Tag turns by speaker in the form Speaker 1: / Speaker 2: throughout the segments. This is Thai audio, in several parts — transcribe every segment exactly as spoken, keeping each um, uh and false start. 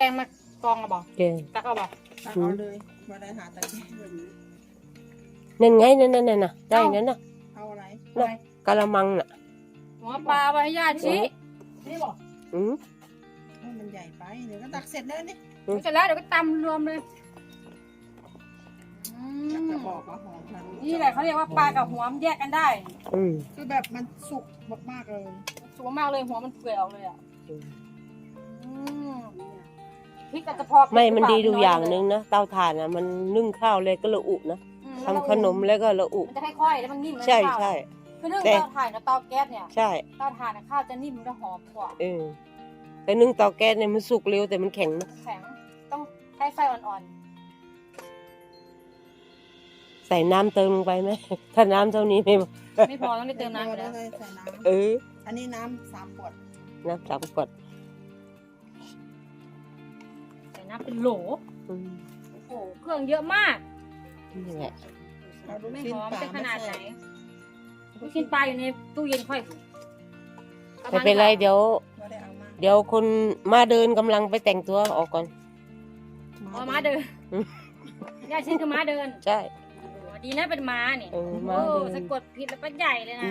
Speaker 1: งมากองอะบอก
Speaker 2: แกง
Speaker 1: ตักเอาบอก
Speaker 3: ตักเอาเลยมาได้หาตะแกรงแบบนี้
Speaker 2: นั่นไงนั่นนั่นนั่นน่ะได้นั่นน่ะ
Speaker 3: เอาอะไร
Speaker 2: น่ะกะละมังน่ะ
Speaker 1: หัวปลาไว้ให้ญาติชี้นี่บอก
Speaker 2: อืม
Speaker 3: ให้มันใหญ่ไปเดี๋ยวก็ตักเสร็จแล้วนี่
Speaker 1: เสร็จแล้วเดี๋ยวก็ตำรวมเลยอื
Speaker 3: จะ
Speaker 1: ม
Speaker 3: บอกว่าหอมทัน
Speaker 1: นี่แหละเขาเรียกว่าปลากับหัวมันแยกกันได้
Speaker 2: อืม
Speaker 3: คือแบบมันสุกมากๆเลย
Speaker 1: สวยมากเลยหัวมันเปื่อยออกเลยอ่ะ
Speaker 2: อืม
Speaker 1: อืมพริกกระเพาะ
Speaker 2: ไม่มันดีดูอย่างหนึงนะเตาถ่านอ่ะมันนึ่งข้าวเลยก็ละอุนะ
Speaker 1: อืม
Speaker 2: ทำขนมแล้วก็ละอุ
Speaker 1: มันจะค่อยๆแล้วมันนิ่มเลย
Speaker 2: ใช่
Speaker 1: ข้าว
Speaker 2: ใช่
Speaker 1: คือนึ่ง
Speaker 2: แต่
Speaker 1: เตาถ่านกับเตาแก๊สเนี่ย
Speaker 2: ใช่
Speaker 1: เตาถ่านข้าวจะนิ่มและหอมกว่า
Speaker 2: เออแต่นึ่งเตาแก๊สเนี่ยมันสุกเร็วแต่มันแข็งนะ
Speaker 1: แข็งต้องใช้ไฟอ่อน
Speaker 2: ใส่น้ำเติมลงไปไหมถ้าน้ำเท่านี้ไม่
Speaker 1: ๆ ไม่พอต้องได้เติมน้ำอยู่
Speaker 3: แล้
Speaker 1: แล้ว ว
Speaker 3: เลยใส่น้
Speaker 2: เออ
Speaker 3: ำอันนี้น้ำสามขวด
Speaker 2: น้ำสามขวด
Speaker 1: ใส่น้ำเป็นโหล
Speaker 2: อืม
Speaker 1: โอ้โหเครื่องเยอะมาก
Speaker 2: นี่แหละ
Speaker 3: เอาลูก
Speaker 1: ไม่
Speaker 3: ชิ้น
Speaker 1: หอม
Speaker 3: ปลา
Speaker 1: เป็นขนาดไหน
Speaker 3: ม
Speaker 1: ลูกชิ้นปลาอยู่ในตู้เย็นค่อย
Speaker 2: ไม่เป็นไรเดี๋ยว
Speaker 3: ใส่ไม่ได้เอามา
Speaker 2: เดี๋ยวคนมาเดินกำลังไปแต่งตัวออกก่อน
Speaker 1: อ๋อม้าเดิน
Speaker 2: อืม
Speaker 1: ย่าชื่อคือม้าเดิน
Speaker 2: ใช่
Speaker 1: โอ้โหดีนะเป็นม้าเนี่ย
Speaker 2: เออ
Speaker 1: โอ้
Speaker 2: ม้าเดิน
Speaker 1: สะกดผิดแล้วก็ใหญ่เลยนะ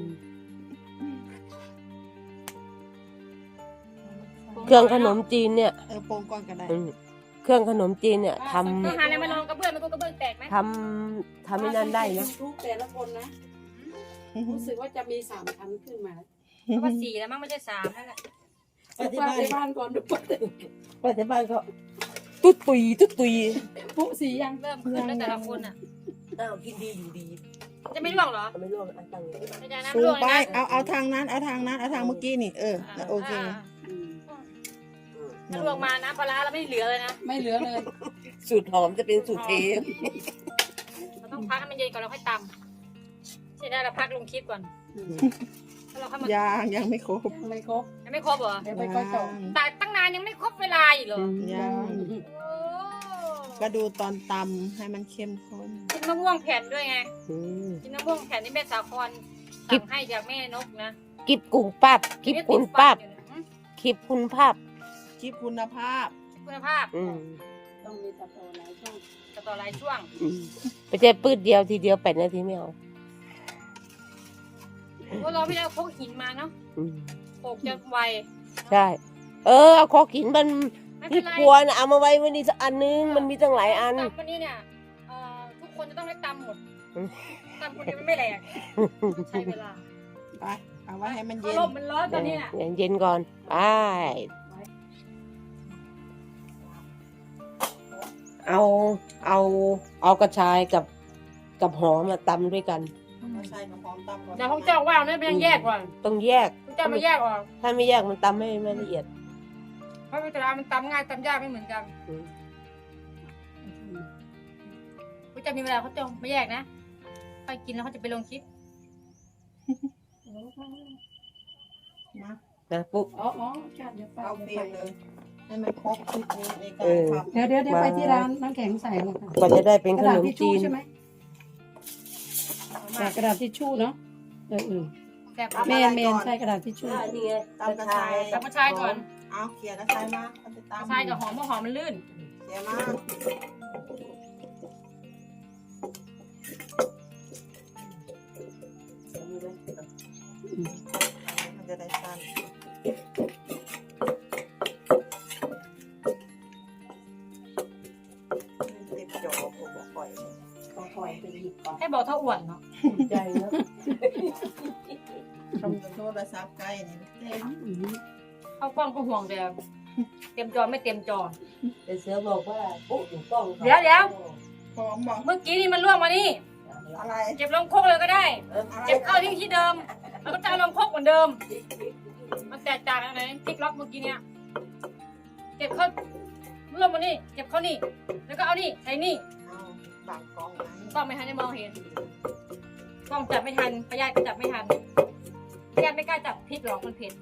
Speaker 2: เครื่องขนมจีนเนี่ย
Speaker 3: เออโปรงก่อนก็ได้
Speaker 2: อืมเครื่องขนมจีนเนี่ยท
Speaker 1: ต้องหาอะไรมาลองกระเบื้องมันก็กระเบื้องแตกไหม
Speaker 2: ำทำทำให้นั่นได้นะ
Speaker 4: ทุกแต่ละคนนะ รู้สึกว่าจะมีสามชั้นขึ้นมา
Speaker 1: เพราะว่าสี่แล้วมั้งไม่ใช่สามนั่นแหละ
Speaker 4: ไปที่บ้านบ้านก่อนดูปะ
Speaker 2: ไปที่บ้านก็ตุ๊ดตุยตุ๊ดตุย
Speaker 4: ปุ๊สียัง
Speaker 1: เริ่มขึ้นแล้วแต่ละคนอ่ะ
Speaker 2: อ้าวกินดีอยู่ดี
Speaker 1: จะไม่ร่วงเหรอ
Speaker 2: ไม่ร่วงอันตัง
Speaker 1: ไม่ใช่นะ
Speaker 3: สู
Speaker 1: ร่
Speaker 3: ง
Speaker 1: วง
Speaker 3: ไป
Speaker 1: เลยนะ
Speaker 3: เอาเอาทางนั้น เอาทางนั้น เอาทางเมื่อกี้นี่ เออ โอเค
Speaker 1: าถ้าร่วงมานะปลาร้าเราไม่เหลือเลยนะ
Speaker 4: ไม่เหลือเลย
Speaker 2: สูตรหอมจะเป็นสูตรเท
Speaker 1: เราต้องพักให้มันเย็นก่อนแล้วค่อยตำใช่ได้เราพักลงคลิปก่อนแล้วเราค่อยมา
Speaker 3: ยังยังไม่ครบ
Speaker 4: ไม่ครบ
Speaker 1: ยังไม่ครบเหรอ
Speaker 4: เดี๋ยวไปก็จบ
Speaker 1: แต่ตั้งนานยังไม่ครบเวลาอีกเหรอ
Speaker 3: ยัง
Speaker 1: โอ้
Speaker 3: ก็ดูตอนตำให้มันเข้มข้น
Speaker 1: กินมะม่วงแผ่นด้วยไง
Speaker 2: อืม
Speaker 1: กินมะม่วงแผ่นนี่แม่สาครสั่งให้จากแม่นกนะ
Speaker 2: กิบกุ้งปับกิบคุณปับคลิปคุณภาพ
Speaker 3: คลิปคุณภาพ
Speaker 1: คุณภาพ
Speaker 2: อืม
Speaker 4: ต้องมีตัดต่อหลายช่อง
Speaker 1: จะต่อหลายช่วง
Speaker 2: อืมไม่ใช่ปืดเดียวทีเดียวแปดนาทีไม่เอา
Speaker 1: เพราะเราไม่ได้เอาพกหินมาเนาะ
Speaker 2: อืม
Speaker 1: โขกจะไว
Speaker 2: ใช่ เออเอาคอขินมัน
Speaker 1: ไม่เป็
Speaker 2: ที่
Speaker 1: นไร
Speaker 2: กลัวนะเอามาไว้วันนี้สักอันนึงมันมีตั้งหลายอัน
Speaker 1: ตำวันนี้เนี่ยเอ่อทุกคนจะต้องได้ตำหมด
Speaker 2: อืม
Speaker 1: ตำคนเดียวมันไม่แหลกใช้เวลา
Speaker 3: ไป เอาไว้ให้มัน
Speaker 1: เพ
Speaker 3: เย็
Speaker 1: ราะ
Speaker 3: น
Speaker 1: ลมมันร้อนตอนนี้น่ะ
Speaker 2: เย็นๆก่อนไปเอาเอาเอากระชายกับกับหอมมาตำด้วยกัน
Speaker 3: ใส่กระป๋องตำก่อน
Speaker 1: เดี๋ยวของเจ้าว่าวเนี่ยไปยังแยกก่อน
Speaker 2: ต้องแยก
Speaker 1: ของเจ้ามาแยกออก
Speaker 2: ถ้าไม่แยกมันตำไม่ไม่ละเอียด
Speaker 1: เพราะแต่ละมันตำง่ายตำยากไม่เหมือนกัน
Speaker 2: อืม
Speaker 1: เขาจะมีเวลาเขาจะไม่แยกนะไปกินแล้วเขาจะไปลงคลิป
Speaker 3: มา
Speaker 2: นะปุ๊บ
Speaker 4: อ๋ออ๋อจัดเดี๋ยวไป
Speaker 3: เอาเปรียบเลย ให้มันครบคลิปนี้ในการ
Speaker 2: เออ
Speaker 3: ทำ
Speaker 4: เดี๋ยวเดี๋ยวเดี๋ยวไปที่ร้านน้ำแข็งใส่เลยค่ะ
Speaker 2: กว่าจะได้เป็น
Speaker 4: ก
Speaker 2: ข
Speaker 4: ระดาน ษ
Speaker 2: ม
Speaker 4: ทิชชู่
Speaker 2: จีน
Speaker 4: ใช่ไหมกระดาษทิชชู่เนาะเออเออ
Speaker 1: แซ่บ
Speaker 4: เมนเมนใช่กระดาษทิชชู่
Speaker 2: นี่ไง
Speaker 3: ตำกระชาย
Speaker 1: ตำกระชายก่อน
Speaker 3: เอาเขี่ยกระชายมาเอาไป
Speaker 1: กระ
Speaker 3: ตำ
Speaker 1: ชายกับหอมเพราะหอมมันลื่น
Speaker 3: เขี่ยมามันจะได้สั้นเต็มจอผมบอกปล่อย
Speaker 4: ก็ปล่อยไปหยิบก่อน
Speaker 1: ให้บอกเท่าอ้วนเนาะ
Speaker 2: ใจเนอะ
Speaker 3: ทำโทรศัพท์ใกล้นี่เต็ม
Speaker 4: อืม
Speaker 1: เข้ากล้องก็ห่วงแต่เต็มจอไม่เต็มจอ
Speaker 2: แต่เสือบอกว่าปุ๊บอยู่กล้อง
Speaker 1: เดี๋ยวเดี๋ยว
Speaker 3: พร้อมบอก
Speaker 1: เมื่อกี้นี่มันล่วงมานี่
Speaker 3: อะไร
Speaker 1: เก็บลงครกเลยก็ได้
Speaker 3: อะไร
Speaker 1: เก็บเข้าที่ที่เดิม แล้วก็จะเอาลงครกเหมือนเดิม มันแตกต่างกันไหนติ๊กล็อกเมื่อกี้เนี่ย เก็บเข้าล่วงมานี่ เก็บเข้านี่ แล้วก็เอานี่ใส่นี่
Speaker 3: เอาบางกล้องนะ
Speaker 1: กล้องไม่ทันได้มองเห็น กล้องจับไม่ทันพยาธิก็จับไม่ทันพยาธิไม่กล้าจับพิษหรอกมันเผ็ด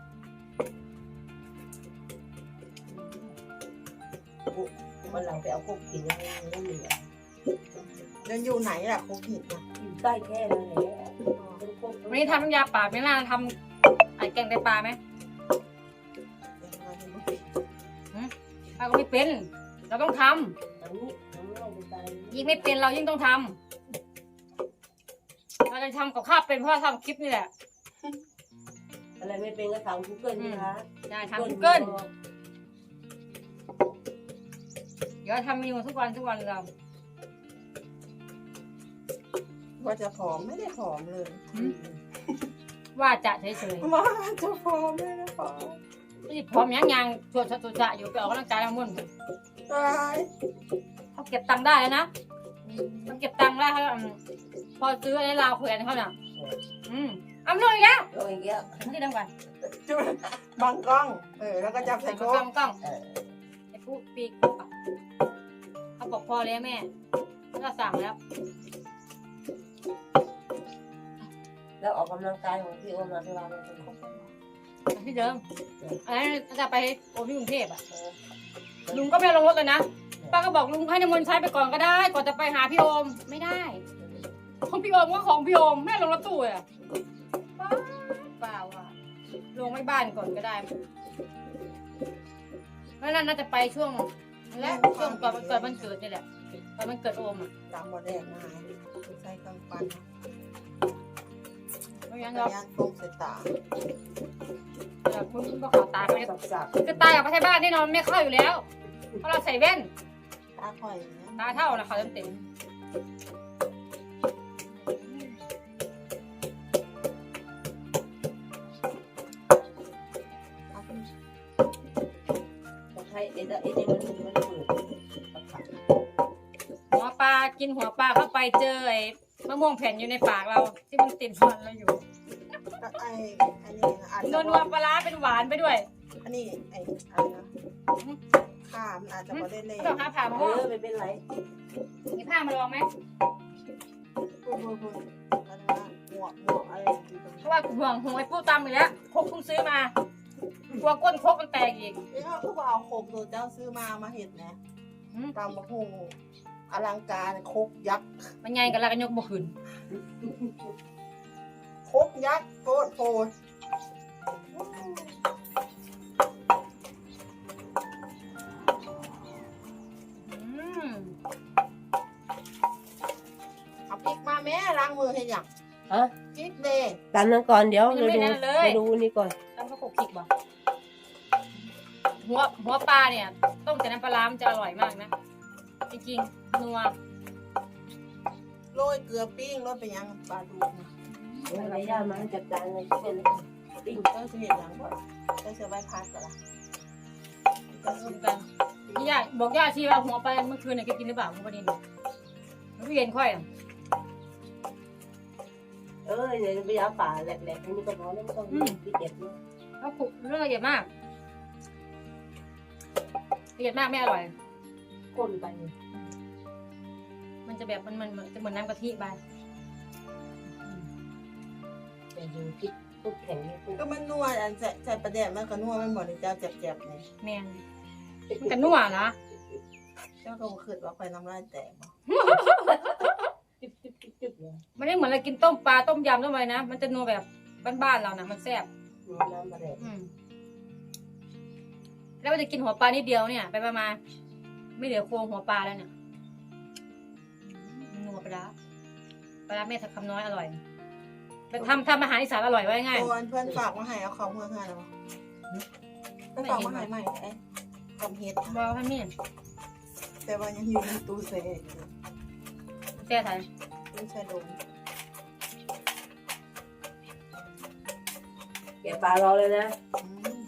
Speaker 2: วันหลังไปเอาพวกกินแล้วไม่มีอ่ะ
Speaker 3: แล้วอยู่ไหนล่ะโควิดนะ
Speaker 2: อยู่ใกล้แค่นั้นแหละ
Speaker 1: วันนี้ทำน้ำยาป่าไม่น่าทำไอ้แกงไตปลาไหม
Speaker 3: ท
Speaker 1: ป้าก็ไม่เป็นเราต้องทำ
Speaker 2: อันนี้อันนี้เราจะตาย
Speaker 1: ยิ่งไม่เป็นเรายิ่งต้องทำเราจะทำกับข้าวเป็นเพราะเราทำคลิปนี่แหละ
Speaker 2: อะไรไม่เป็นก็ถามกูเกิลนะคะ
Speaker 1: ได้ทำกูเกิลเดี๋ยวทำเมนูทุกวันทุกวันเรา
Speaker 3: ว่าจะผอมไม่ได้ผอมเลย
Speaker 1: ว่าจะเฉย
Speaker 3: ว่าจะผอมไม่ได้ผอม
Speaker 1: ๆนี่พร้อมยังยังชวนชวนจะอยู่ไปออกกำลังกายทั้งหมด
Speaker 3: ตาย
Speaker 1: เขาเก็บตังค์ได้แล้วนะมันเก็บตังค์ได้เขาอืมพอซื้อในลาวแขวนเขาน่ะอืมเอาไม่ลงอีกแล้ว
Speaker 2: โอ้ยเงี้ย
Speaker 1: ที่ดังไป
Speaker 3: จุดบังกล้องเออแล้วก็จับใส่
Speaker 1: ใส่
Speaker 3: โก
Speaker 1: กล้อง งกล้อง
Speaker 2: เออ
Speaker 1: ไอ้ปุ๊ปีกเขาบอกพอแล้วแม่ก็สั่งแล้ว
Speaker 2: แล้วออกกำลังกายของพี่โอมาที่ร้านเลย
Speaker 1: ที่เดิมอันนั้นจะไปโอที่กรุงเทพอ่ะลุงก็ไม่ลงรถเลยนะป้าก็บอกลุงให้น้ำมนต์ใช้ไปก่อนก็ได้ก่อนจะไปหาพี่โอมไม่ได้ของพี่โอมก็ของพี่โอมแม่ลงรถตู้อ่ะป้าเปล่าอ่ะลงไม่บ้านก่อนก็ได้แล้วนั่นน่าจะไปช่วงและช่วงก่อนเกิดวันเกิดนี่แหละตอนมันเกิดโอมอ่ะ
Speaker 3: ตามบอแดงมาใส่กำปั้น
Speaker 1: เพราะงั้น
Speaker 3: กระ
Speaker 1: เรา
Speaker 3: ยานตรงใส่ตา
Speaker 1: คุณก็ขอตาไป
Speaker 2: สับสับ
Speaker 1: คือตากับประเทศบ้านแน่นอนไม่เข้าอยู่แล้วเพราะเราใส่แว่น
Speaker 3: ตาข่อยอย่างเงี้ย
Speaker 1: ตาเท่านะเขาเต็ม
Speaker 2: แต่ใครเอ็ดเอ็ดมันมันเปิด
Speaker 1: ๆหัวปลากินหัวปลาเข้าไปเจอไอ้มะม่วงแผ่นอยู่ในปากเราที่มันติดฟันเราอยู่
Speaker 3: ก็ไอ้อันนี้นะอาจ
Speaker 1: น
Speaker 3: จะ
Speaker 1: วลนัวปลาร้าเป็นหวานไปด้วย
Speaker 3: อันนี้ไอ้อะไรนะข้ามนอาจจะไม่ได้เล่
Speaker 1: ต้องหาผ่ามะ
Speaker 2: เอ
Speaker 1: ม่วง
Speaker 2: อไม่เป็นไร
Speaker 1: มีผ้ามาลองไหม
Speaker 3: พูดพูดพูดอะไรนะหมวกหมวกอะไรอยู่ตรง
Speaker 1: เพ
Speaker 3: นี้
Speaker 1: ราะว่าห่วงห่วงไอ้ปู้ตำอีกแล้วครกเพิ่งซื้อมากลัวก้นครกมันแตกอีก
Speaker 3: นี่เขาคือว่าเอาโคกตัวเจ้าซื้อมามาเห็ดนะ
Speaker 1: อืม
Speaker 3: ตามมะฮงอลังการโคกยักษ์
Speaker 1: มันใหญ่กันแล้วกันยกบ่ขึ้น
Speaker 3: โคกยักษ์โคตรโพด
Speaker 1: อืม
Speaker 3: เอาพริกมาแม่ล้างมือให้หยัง
Speaker 2: ฮะ
Speaker 3: พริกเดย์
Speaker 2: ตันนั้นก่อนเดี๋ยวเราดูเราดูนี่ก่อน
Speaker 1: ตำข้าวโพดขิกบ่หัวหัวปลาเนี่ยต้มแต่น้ำปลาร้ามันจะอร่อยมากนะจริงๆนัว
Speaker 3: โรยเกลือปิ้งโรยไปยังปลาดุกนะ
Speaker 2: เดี๋ยวระยะมันจัดการเลยเป็น
Speaker 3: ปิ้งเจ้าจะเห็นยังก่อนเจ้าจะใบพัดก่อนละเจ้า
Speaker 1: ร
Speaker 3: จะ
Speaker 1: วมกันนี่ย่าบอกย่าชีว่าหัวปลาเมื่อคืนเนี่ยแกกินหรือเปล่าหัวปลาดินมันเย็นค่อยอ่ะ
Speaker 2: เออเดี๋ยวไปเอาป่าแหลกๆนี่ก็พอแล้วไม่ต้องพิเศษนะ
Speaker 1: แล้วผูกเรื่องละเอียดมากละเอียดมากไม่อร่อย
Speaker 2: คนไป
Speaker 1: มันจะแบบมันมันมันจะเหมือนน้ำกะทิไป
Speaker 2: แต่ดูพิษทุกแข็งนี่ปุ๊บ
Speaker 3: ก็มันนัวอันใส่ใส่ประเดี๋ยวมันก็นัวมันหมดเลยเจ้าเจ็บๆนี่
Speaker 1: แมนมันกันนัวนะ
Speaker 3: เจ้าก็บ่คิดว่าไฟน้ำลายแตกบ่
Speaker 2: จิ๊บจิ๊บจิ๊บจิ๊บเลย
Speaker 1: มันไม่เหมือนเรากินต้มปลาต้มยำต้มอะไรนะมันจะนัวแบบบ้านๆเรานะมันแซ่บ
Speaker 2: น้ำมาแดง
Speaker 1: อืมแล้วมันจะกินหัวปลานิดเดียวเนี่ย ไปประมาณไม่เหลือโครงหัวปลาแล้วเนี่ยนัวปลาร้าปลาร้าแม่ทักคำน้อยอร่อยแต่ทำทำอาหารอีสานอร่อยไว้ง่าย
Speaker 3: ตัวเพื่อนฝากมาให้เอาของเพื่อนให้แล้วบ่เพื่อนฝากมาให้ใหม่ไอ้กับเฮ็ด
Speaker 1: บอกให้แม่
Speaker 3: แต่ว่ายังอยู่ในตู้เซฟอยู่
Speaker 1: แซ่ไทย
Speaker 3: ตู้แช่โดน
Speaker 2: แกะปลารอเลยนะ
Speaker 3: อืม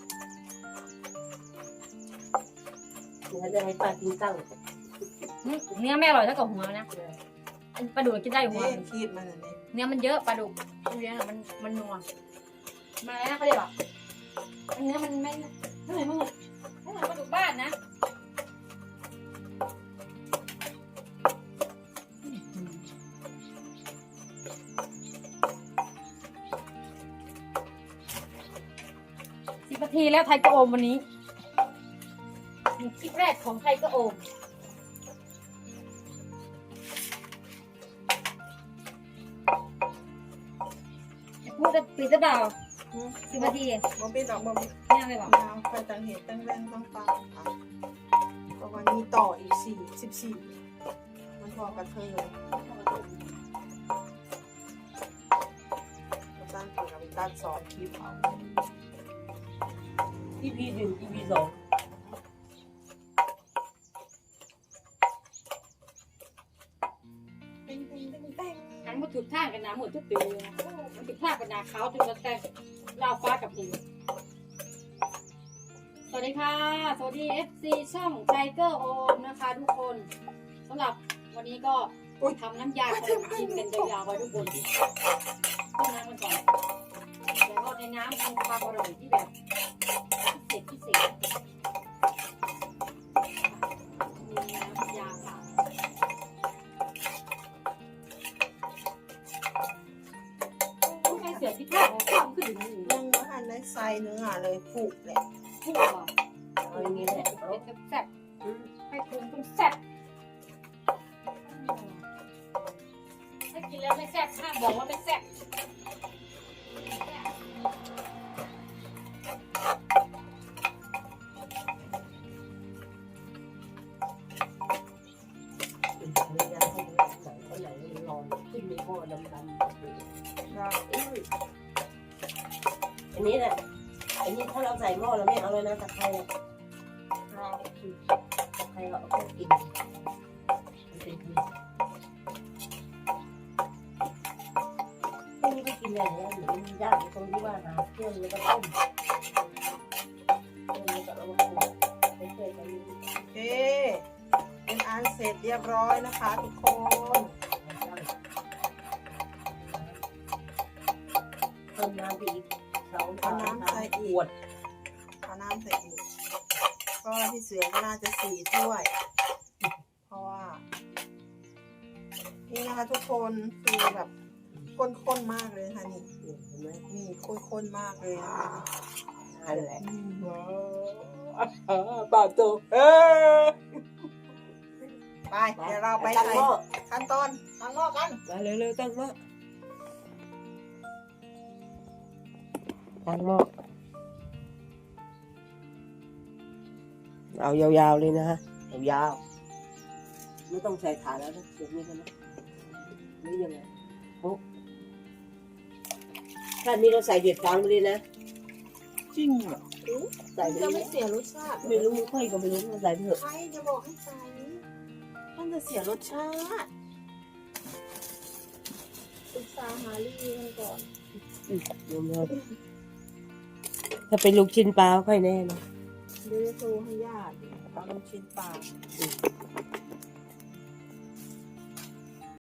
Speaker 2: เดี๋ยวจะให้ปลากินตั้ง
Speaker 1: อืมเนื้อแม่อร่อยเท่ากับหัวนะอันปลาดุกกินได้หัว
Speaker 3: นี่คีดมันอันนี้
Speaker 1: เนื้อมันเยอะปลาดุกมันเยอะอะมันมันนัวมาแล้วเขาเรียกว่าเนื้อมันไม่เท่าไหร่มึงไม่เหมือนปลาดุกบ้านนะสิบนาทีแล้วไทยกระโอมวันนี้คลิปแรกของไทยกระโอมพูดจะปิดจะเปล่าสิบนาที
Speaker 3: บ่ปิดดอกบ่ปิด
Speaker 1: ไม่เอาไปบอก
Speaker 3: ยาวไปตังเห็ดตังแรงตังปลาค่ะต่ออีกสี่สิบสี่มันพอกับเธอตั้งตัวกับตั้งสองคลิปเอา
Speaker 2: อีพีหนึ่งอีพีสอง
Speaker 3: เต้งเต้งเต้งเต้ง
Speaker 1: อันมันถูกท่ากันนะหมดทุกปีเลยนะมันถูกท่ากันนะเขาจนจะแต่ลาวฟ้ากับหินสวัสดีค่ะ สวัสดี เอฟ ซี ช่องไทเกอร์โอมนะคะทุกคนสำหรับวันนี้ก็ทำน้ำยาขนมจีนกันยาวๆไว้ทุกคนต้มน้ำกันก่อนแล้วก็ในน้ำมีความอร่อยที่แบบพิเศษพิเศษมีน้ำยาค่ะผู้ชายเสือที่ท่าของความขึ้นถึงหนึ่ง
Speaker 3: ยังไม่ทันได้ใส่เนื้อเลยผูกเลย
Speaker 1: ผู้อ่ะ
Speaker 2: เอาอย่างนี้แหละเอา
Speaker 1: เป็นแซ่บให้คุณต้องแซ่บถ้ากินแล้วไม่แซ่บห้ามบอกว่าไม่แซ่บ
Speaker 2: เป็นภรรยาให้ดูหนังคนไหนมันร้อนขึ้นในหม้อดำๆ
Speaker 3: เรา
Speaker 2: อันนี้แหละอันนี้ถ้าเราใส่หม้อเราไม่เอาเลยนะตะไคร้อะ
Speaker 3: เรา
Speaker 2: ตะไคร้เราเอาแค่กินมันเป็นดีพวกนี้ก็กินอะไรเนี่ยหรือมันยากตรงที่ว่าหาเครื่องแล้วก็ต้มเครื่องแล้วก็เอามาปรุงไม่เคยกัน
Speaker 3: โอเคเป็นอันเสร็จเรียบร้อยนะคะทุกคน
Speaker 2: เพิ่มน้ำไปอีกสอง
Speaker 3: เอาน้ำใส่
Speaker 2: ข
Speaker 3: อี
Speaker 2: ว
Speaker 3: ก
Speaker 2: ด
Speaker 3: เอาน้ำใส่อีกก็พี่เสือก็น่าจะสี่ถ้วย เพราะว่า นี่นะคะทุกคนคือแบบข้นๆมากเลยค่ะนี่
Speaker 2: เห็นไหม
Speaker 3: นี่ข้นๆมากเลยนะคะ
Speaker 2: นั่นแหละ
Speaker 3: อืม
Speaker 2: ว้าวปลาตัวเออ
Speaker 3: ไปเดี๋ยวเราไป
Speaker 2: ตั้ง
Speaker 3: ใส่
Speaker 2: หม้อ
Speaker 3: ขั้นตอนตั้งหม้อกัน
Speaker 2: มาเร็วๆตั้งหม้อตั้งหม้อเอายาวๆเลยนะฮะยาวๆไม่ต้องใส่ฐานแล้วนะเดี๋ยวนี้กันนะนี่ยังไงโอ้ท่านนี้เราใส่เด็ดฟางไปเลยนะ
Speaker 3: จริงเหรอ
Speaker 2: ใส่ไป
Speaker 3: จะ
Speaker 2: เล
Speaker 3: ไม่
Speaker 2: ย
Speaker 3: เสียรสชาติ
Speaker 2: ไม่รู้ค่อยก็ไม่รู้เราใส่ไปเถอะ
Speaker 3: ใครจะบอกให้ใส่มันจะเสียรสชาติปรึกษาหาลีกันก่อน
Speaker 2: อืมถ้าเป็นลูกชิ้นปลาค่อยแน่นะ
Speaker 3: เดี๋ยวจะโทรให้ญาติเอาลูกชิ้นปลา